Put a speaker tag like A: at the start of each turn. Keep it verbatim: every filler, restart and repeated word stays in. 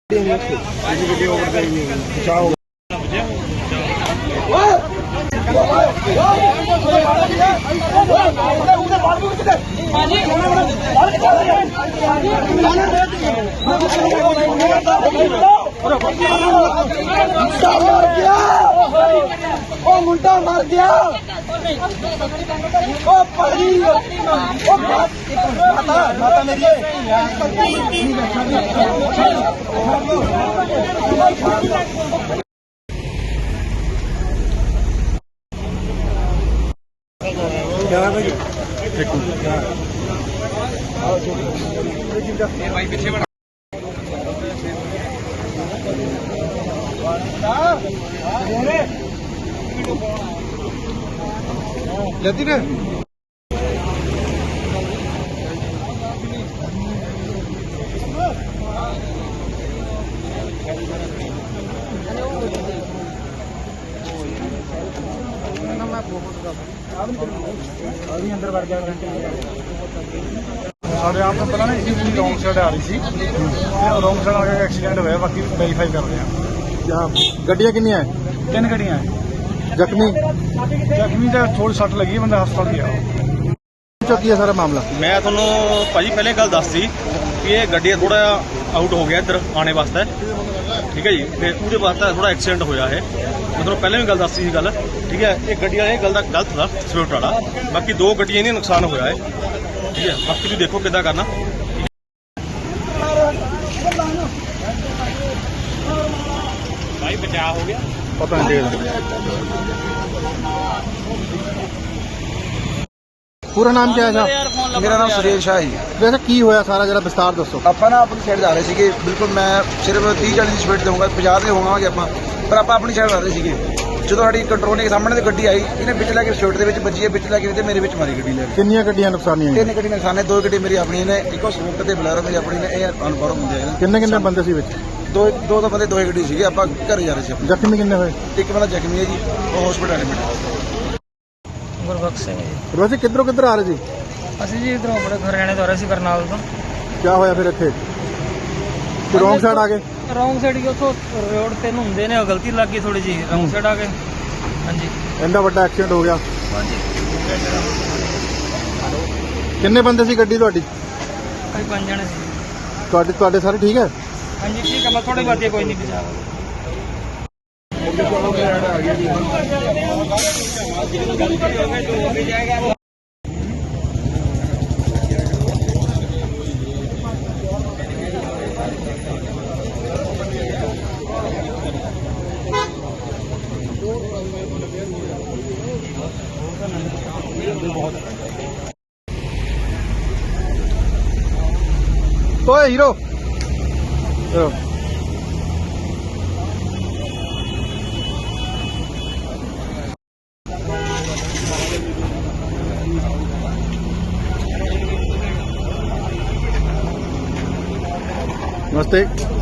A: मुंडा मर गया ओ परी ओ माता माता मेरी क्या भाई पीछे बढ़ा जल्दी में अभी अंदर बढ़ गया साढ़े आप पता ना जी पूरी रॉन्ग साइड आ रही थी रॉन्ग साइड आके एक्सीडेंट होया बाकी वेरीफाई कर रहे हैं।
B: गड्डियां कितनी है?
A: तीन गड्डियां
B: जख्मी
A: जख्मी तो थोड़ी सट लगी बंदा हस्पताल गया।
B: चौकी है सारा मामला।
C: मैं थोनों भाजी पहले गल दस दी कि ये गड्डी थोड़ा आउट हो गया इधर आने वास्ते, ठीक है जी। फिर उसके वास्ते थोड़ा एक्सीडेंट होया है, मतलब पहले भी गल दस दी गल, ठीक है। एक गड्डी वाला गल गलत था स्विफ्ट वाला, बाकी दो गड्डियां नहीं नुकसान होया है, ठीक है। बाकी तुम देखो किदा करना। भाई बचाव हो गया
B: पता नहीं। पूरा नाम क्या है?
D: मेरा नाम सुरेश है जी।
B: वैसे की होया सारा जरा विस्तार दसो।
D: ਆਪਾਂ ਨਾ ਆਪਣੀ ਸਾਈਡ ਜਾ ਰਹੇ ਸੀਗੇ, ਬਿਲਕੁਲ ਮੈਂ ਸਿਰਫ तीस चालीस ਦੀ ਸਪੀਡ ਦਊਂਗਾ, ਪੰਜਾਹ ਦੇ ਹੋਵਾਂਗੇ ਆਪਾਂ, ਪਰ ਆਪਾਂ ਆਪਣੀ ਸਾਈਡ ਜਾ ਰਹੇ ਸੀਗੇ। ਜਦੋਂ ਸਾਡੀ ਕੰਟਰੋਲ ਦੇ ਸਾਹਮਣੇ ਤੇ ਗੱਡੀ ਆਈ, ਇਹਨੇ ਵਿੱਚ ਲੈ ਕੇ ਸਟੇਟ ਦੇ ਵਿੱਚ ਵੱਜੀ ਹੈ, ਵਿੱਚ ਲੈ ਕੇ ਤੇ ਮੇਰੇ ਵਿੱਚ ਮਾਰੀ ਗੱਡੀ ਲੈ ਕੇ।
B: ਕਿੰਨੀਆਂ ਗੱਡੀਆਂ ਨੁਕਸਾਨੀਆਂ?
D: ਤਿੰਨ ਗੱਡੀ ਨੁਕਸਾਨੇ, ਦੋ ਗੱਡੀ ਮੇਰੀ ਆਪਣੀ ਨੇ, ਇੱਕੋ ਸਵਿਫਟ ਤੇ ਬਲੈਰੋ ਮੇਰੀ ਆਪਣੀ ਨੇ, ਇਹ ਅਨਪੜ੍ਹ ਹੁੰਦੇ ਆ।
B: ਕਿੰਨੇ ਕਿੰਨੇ ਬੰਦੇ ਸੀ ਵਿੱਚ?
D: ਦੋ ਦੋ ਤਾਂ ਬੰਦੇ ਦੋਏ ਗੱਡੀ ਸੀਗੇ, ਆਪਾਂ ਘਰੇ ਜਾ ਰਹੇ ਸੀ।
B: ਜ਼ਖਮੀ ਕਿੰਨੇ ਹੋਏ?
D: ਇੱਕ ਬੰਦਾ ਜ਼ਖਮੀ ਹੈ ਜੀ, ਉਹ ਹਸਪੀਟਲ ਐਡਮਿਟ ਹੈ।
E: ਗੁਰਬਖਸ਼ ਸਿੰਘ ਜੀ।
B: ਵੈਸੇ ਕਿੱਧਰੋਂ ਕਿੱਧਰ ਆ ਰਹੇ ਜੀ?
E: ਅਸੀਂ ਜੀ ਇਧਰੋਂ ਆਪਣੇ ਹਰਿਆਣੇ ਤੋਂ ਆ ਰਹੇ ਸੀ, ਕਰਨਾਲ ਤੋਂ।
B: ਕੀ ਹੋਇਆ ਫਿਰ ਇੱਥੇ? ਰੌਂਗ ਸਾਈਡ ਆ ਗਏ?
E: ਰੌਂਗ ਸਾਈਡ ਹੀ ਉੱਥੋਂ ਰੋਡ ਤੇ ਨੂੰ ਹੁੰਦੇ ਨੇ, ਉਹ ਗਲਤੀ ਲੱਗ ਗਈ ਥੋੜੀ ਜੀ, ਰੌਂਗ ਸਾਈਡ ਆ ਗਏ। ਹਾਂਜੀ,
B: ਇੰਨਾ ਵੱਡਾ ਐਕਸੀਡੈਂਟ ਹੋ ਗਿਆ।
E: ਹਾਂਜੀ।
B: ਕਿੰਨੇ ਬੰਦੇ ਸੀ ਗੱਡੀ ਤੁਹਾਡੀ?
E: ਅਸੀਂ ਪੰਜ ਜਣੇ ਸੀ।
B: ਤੁਹਾਡੇ ਤੁਹਾਡੇ ਸਾਰੇ ਠੀਕ ਹੈ?
E: ਹਾਂਜੀ ਠੀਕ ਹੈ, ਮੈਂ ਥੋੜੀ ਬਾਤੀ ਕੋਈ ਨਹੀਂ ਬਚਾ।
B: ओए हीरो नमस्ते।